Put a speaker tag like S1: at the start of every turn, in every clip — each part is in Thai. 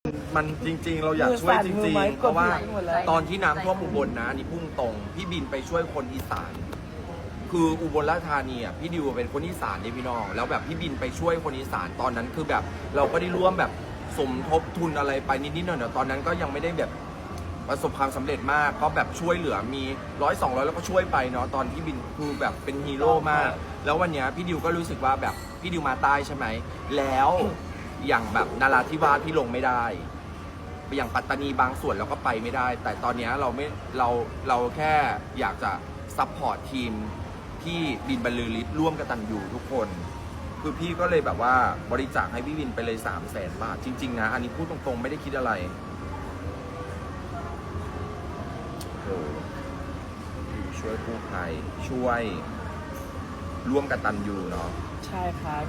S1: มันจริงๆเราอยากช่วยจริงๆเพราะว่าตอนที่น้ำท่วมอุบลนะนี่พุ่งตรงพี่บินไปช่วยคนอีสานคืออุบลราชธานีอ่ะพี่ดิวเป็นคนอีสานนี่พี่น้องแล้วแบบพี่บินไปช่วยคนอีสานตอนนั้นคือแบบเราก็ได้ร่วมแบบสมทบทุนอะไรไปนิดๆหน่อยๆตอนนั้นก็ยังไม่ได้แบบประสบความสำเร็จมากก็แบบช่วยเหลือมี100-200แล้วก็ช่วยไปเนาะตอนพี่บินคือแบบเป็นฮีโร่มากแล้ววันนี้พี่ดิวก็รู้สึกว่าแบบพี่ดิวมาใต้ใช่ไหมแล้วอย่างแบบนราธิวาสพี่ลงไม่ได้อย่างปัตตานีบางส่วนเราก็ไปไม่ได้แต่ตอนนี้เราแค่อยากจะซัพพอร์ตทีมที่บินบรรลือฤทธิ์ร่วมกตัญญูทุกคนคือพี่ก็เลยแบบว่าบริจาคให้พี่บินไปเลย300,000 บาทจริงๆนะอันนี้พูดตรงๆไม่ได้คิดอะไรช่วยกู้ภัยช่วยร่วมกตัญญูเนาะ
S2: ใช่ครับ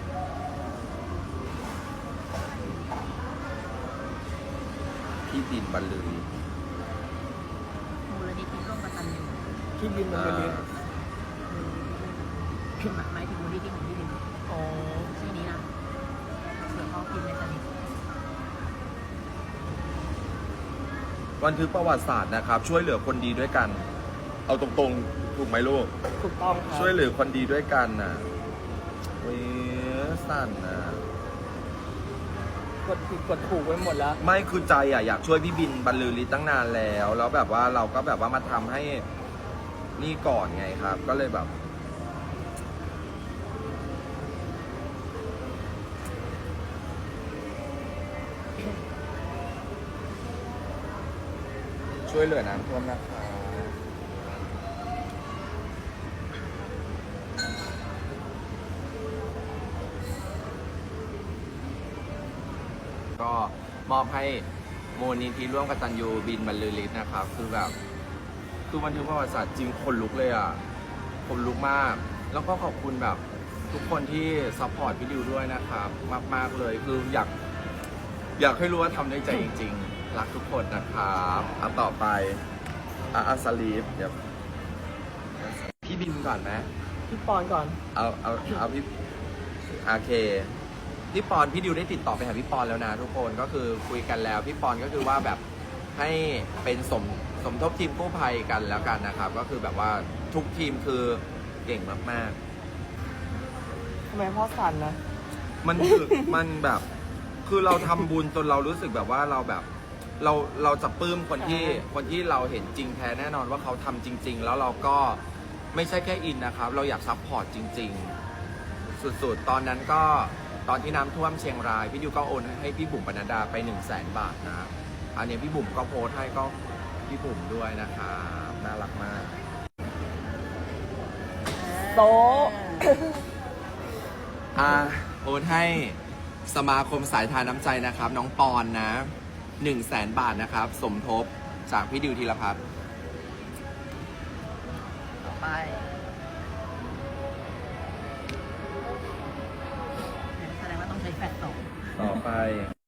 S1: พี่บินบรรลือ
S3: มูลนิธิร่วมกตัญญู
S2: พี่บินมันเป็นเรื่อง
S3: หมายถึงมูลนิธิของพี่บิน
S2: อ๋อ
S3: ชื่อนี้นะเผื่อเขาพิมพ์ในสนิท
S1: บันทึกประวัติศาสตร์นะครับช่วยเหลือคนดีด้วยกัน เอาตรงๆถูกไหมลูก
S2: ถูกต้องครับ
S1: ช่วยเหลือคนดีด้วยกันน่ะเว้ยสั่นน่ะ
S2: กดผิดกดถูกไว้หมดแล้ว
S1: ไม่คือใจอ่ะอยากช่วยพี่บินบรรลือฤทธิ์ตั้งนานแล้วแบบว่าเราก็แบบว่ามาทำให้นี่ก่อนไงครับ ก็เลยแบบช่วยเหลือน้ำท่วมนะคะก็มอบให้มูลนิธิร่วมกตัญญูบินบรรลือฤทธิ์นะครับคือแบบคือบันทึกประวัติศาสตร์จริงคนลุกเลยอ่ะคนลุกมากแล้วก็ขอบคุณแบบทุกคนที่ซัพพอร์ตพี่ดิวด้วยนะครับมากๆเลยคืออยากให้รู้ว่าทำด้วยใจจริงๆรักทุกคนนะครับต่อไปสลีฟเดี๋ยวพี่บินก่อนไหม
S2: พี่ปอนก่อน
S1: เอาพี่โอเคพี่ปอนพี่ดิวได้ติดต่อไปหาพี่ปอนแล้วนะทุกคนก็คือคุยกันแล้วพี่ปอนก็คือว่าแบบให้เป็นสมทบทีมกู้ภัยกันแล้วกันนะครับก็คือแบบว่าทุกทีมคือเก่งมาก
S2: ทำไมพ่อสั่นนะ
S1: ๆมันคือ มันแบบคือเราทำบุญจนเรารู้สึกแบบว่าเราแบบเราจะปลื้มคนที่เราเห็นจริงแท้แน่นอนว่าเขาทำจริง ๆ แล้วเราก็ไม่ใช่แค่อินนะครับเราอยากซัพพอร์ตจริง ๆ สุดๆตอนนั้นก็ตอนที่น้ำท่วมเชียงรายพี่ดิวก็โอนให้พี่บุ๋มปนัดดาไป100,000 บาทนะอันนี้พี่บุ๋มก็โพสต์ให้ก็พี่บุ๋มด้วยนะครับน่ารักมาก
S2: โต๊ะ
S1: โอนให้สมาคมสายทานน้ำใจนะครับน้องปอนนะ100,000 บาทนะครับสมทบจากพี่ดิวธีรพัฒน์
S3: ต่อไปแสดงว่าต้องใช้แฟลชส่ง
S1: ต่อไป